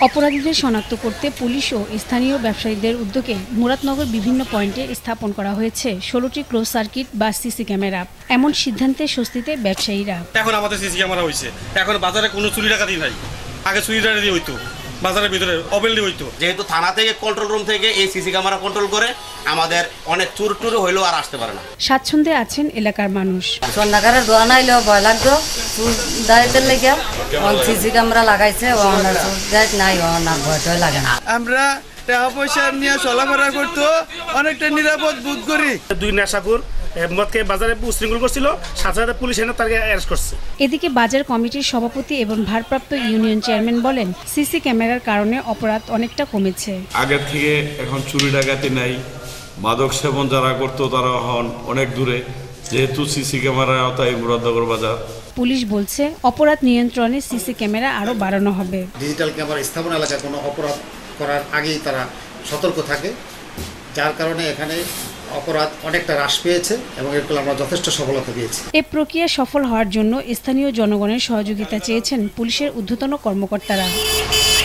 অপরাধীদের শনাক্ত করতে পুলিশ ও স্থানীয় ব্যবসায়ীদের উদ্যোগে মুরাদনগর বিভিন্ন পয়েন্টে স্থাপন করা হয়েছে 16টি ক্লোজ সার্কিট বা সিসি ক্যামেরা। এমন সিদ্ধান্তে স্বস্তিতে ব্যবসায়ীরা। এখন আমাদের সিসি ক্যামেরা হয়েছে, এখন বাজারে কোনো চুরি ডাকাতি নাই। আগে চুরি ডাকাতি হইতো, বাজারের ভিতরে অবেললি হইতো। যেহেতু থানা থেকে কন্ট্রোল রুম থেকে এই সিসি ক্যামেরা কন্ট্রোল করে আমাদের অনেক চুর টুর হইলেও আর আসতে পারে না। স্বাচ্ছন্দ্যে আছেন এলাকার মানুষ। সন্ধ্যাকারের দোয়া নাইলেও ভয় লাগতো, চুর দায়িত্বের লেগে সিসি ক্যামেরা লাগাইছে, নাই না ভয় লাগে না। আমরা টাকা পয়সা নিয়ে চলাফেরা করতো অনেকটা নিরাপদ বোধ করি। দুই নেশাখোর মদকে বাজারে উশৃঙ্খল করছিল, সাথে সাথে পুলিশ এনে তাকে অ্যারেস্ট করছে। এদিকে বাজার কমিটির সভাপতি এবং ভারপ্রাপ্ত ইউনিয়ন চেয়ারম্যান বলেন, সিসি ক্যামেরার কারণে অপরাধ অনেকটা কমেছে। আগের থেকে এখন চুরি ডাকাতি নাই, মাদক সেবন যারা করতো তারা হন অনেক দূরে, যেহেতু সিসি ক্যামেরার আওতায় মুরাদনগর বাজার। পুলিশ বলছে অপরাধ নিয়ন্ত্রণে সিসি ক্যামেরা আরও বাড়ানো হবে। ডিজিটাল ক্যামেরা স্থাপন এলাকায় কোনো অপরাধ করার আগেই তারা সতর্ক থাকে, যার কারণে এখানে অপরাধ অনেকটা হ্রাস পেয়েছে এবং এর ফলে আমরা যথেষ্ট সফলতা পেয়েছি। এ প্রক্রিয়া সফল হওয়ার জন্য স্থানীয় জনগণের সহযোগিতা চেয়েছেন পুলিশের ঊর্ধ্বতন কর্মকর্তারা।